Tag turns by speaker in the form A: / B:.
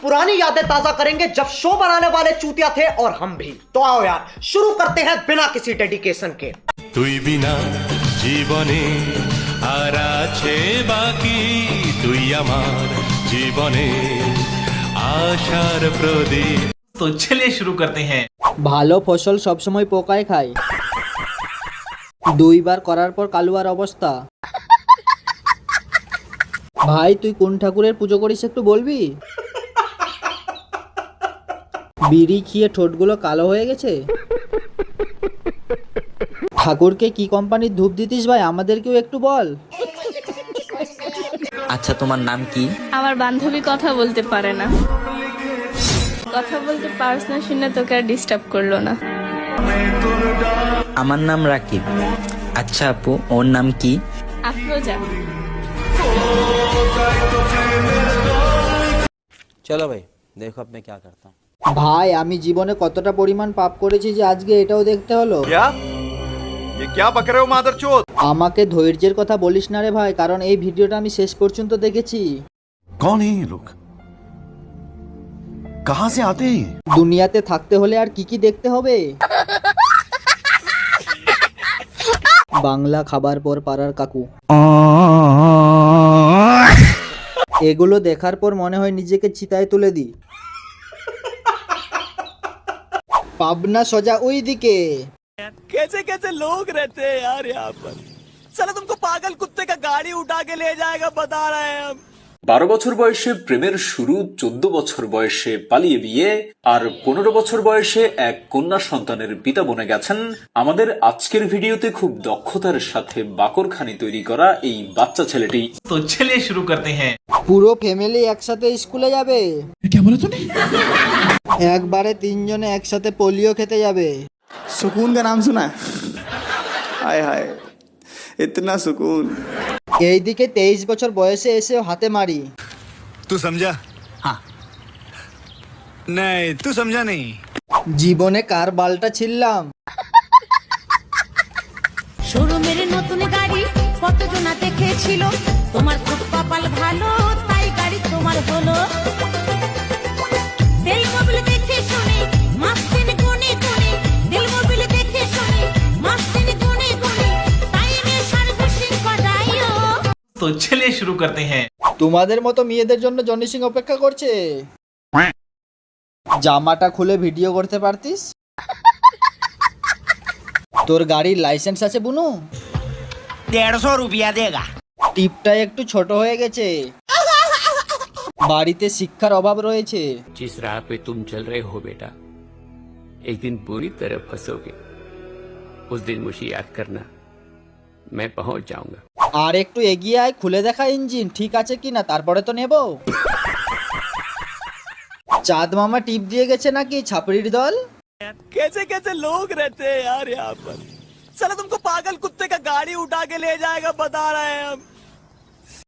A: पुरानी यादें ताजा करेंगे जब शो बनाने वाले चूतिया थे और हम भी। तो आओ यार शुरू करते हैं बिना किसी डेडिकेशन के।
B: তুই বিনা জীবনে আর আছে বাকি, তুই আমার জীবনে আশার প্রদীপ।
C: तो चलिए शुरू करते हैं।
D: ভালো ফসল সবসময় পোকায় খায়। দুইবার করার পর কালুয়ার অবস্থা। ভাই তুই কোন ঠাকুরের পুজো করিস একটু বলবি? বিড়ি খেয়ে ঠোঁটগুলো কালো হয়ে গেছে। ঠাকুরকে কি কোম্পানির ধূপ দিতিস ভাই, আমাদেরকেও একটু বল।
E: আচ্ছা তোমার নাম কি?
F: আমার বান্ধবী কথা বলতে পারে না, কথা বলতে পারছ না শুনে তোকে আর ডিস্টার্ব করলো না।
E: আমার নাম রাকিব। আচ্ছা আপু ওর নাম কি?
F: আফরোজা।
G: चलो भाई देखो अब मैं क्या करता हूँ।
D: ভাই আমি জীবনে কতটা পরিমাণ পাপ করেছি যে আজকে এটাও দেখতে হলো।
H: ये क्या बक रहे हो मादरचोद?
D: আমাকে ধৈর্যের কথা বলিস না রে ভাই, কারণ এই ভিডিওটা আমি শেষ পর্যন্ত দেখেছি।
H: कौन है ये लोग? कहाँ से आते हैं?
D: দুনিয়াতে থাকতে হলে আর কি কি দেখতে হবে? বাংলা খাবার পর পাড়ার কাকু। এগুলো দেখার পর মনে হয় নিজেকে চিতায় তুলে দিই। পাবনা সোজা ওই দিকে।
C: कैसे कैसे लोग रहते हैं यार यहाँ पर। साला तुमको पागल कुत्ते का गाड़ी उठा के ले जाएगा बता रहे हैं हम।
I: 12 বছর বয়সে প্রেমের শুরু, 14 বছর বয়সে পালিয়ে বিয়ে, আর 15 বছর বয়সে এক কন্যা সন্তানের পিতা বনে গেছেন আমাদের আজকের ভিডিওতে খুব দক্ষতার সাথে বাকরখানি তৈরি করা এই বাচ্চা ছেলেটি।
C: तो चलिए शुरू करते हैं।
D: পুরো ফ্যামিলি একসাথে স্কুলে যাবে। একবারে তিনজনে একসাথে পোলিও খেতে যাবে।
J: सुकून का नाम सुना है? हाय हाय इतना सुकून।
D: এইদিকে 23 বছর বয়সে এসে হাতে মারি।
H: तू समझा? हाँ। नहीं तू समझा नहीं।
D: জীবনে কার বালটা ছিললাম।
K: শোরুমের নতুন গাড়ি কতজন দেখেছিল, তোমার খুব কপাল ভালো তাই গাড়ি তোমার হলো। তেল মোবিল দেখে শুনে মাস্তিন কোনে কোনে, তেল মোবিল দেখে শুনে মাস্তিন কোনে কোনে, টাইমে সার্ভিসিং করাইও।
C: तो चलिए शुरू करते हैं।
D: তোমাদের মতো মেয়েদের জন্য জনি সিং অপেক্ষা করছে। জামাটা খুলে ভিডিও করতে পারতিস। তোর গাড়ির লাইসেন্স আছে বুনু?
C: 150 रुपया देगा।
D: টিপটা একটু ছোট হয়ে গেছে। বাড়িতে শিক্ষার অভাব রয়েছে।
L: जिस राह पे तुम चल रहे हो बेटा, एक दिन पूरी तरह फंसोगे। उस दिन मुझे याद करना, मैं पहुंच जाऊंगा।
D: আর একটু এগিয়ে আয়, খুলে দেখা ইঞ্জিন ঠিক আছে কিনা, তারপরে তো নেব। চাঁদ মামা টিপ দিয়ে গেছে নাকি ছাপড়ির দল?
C: कैसे कैसे लोग रहते हैं यार यहाँ पर। साला तुमको पागल कुत्ते का गाड़ी उठा के ले जाएगा बता रहे हैं हम।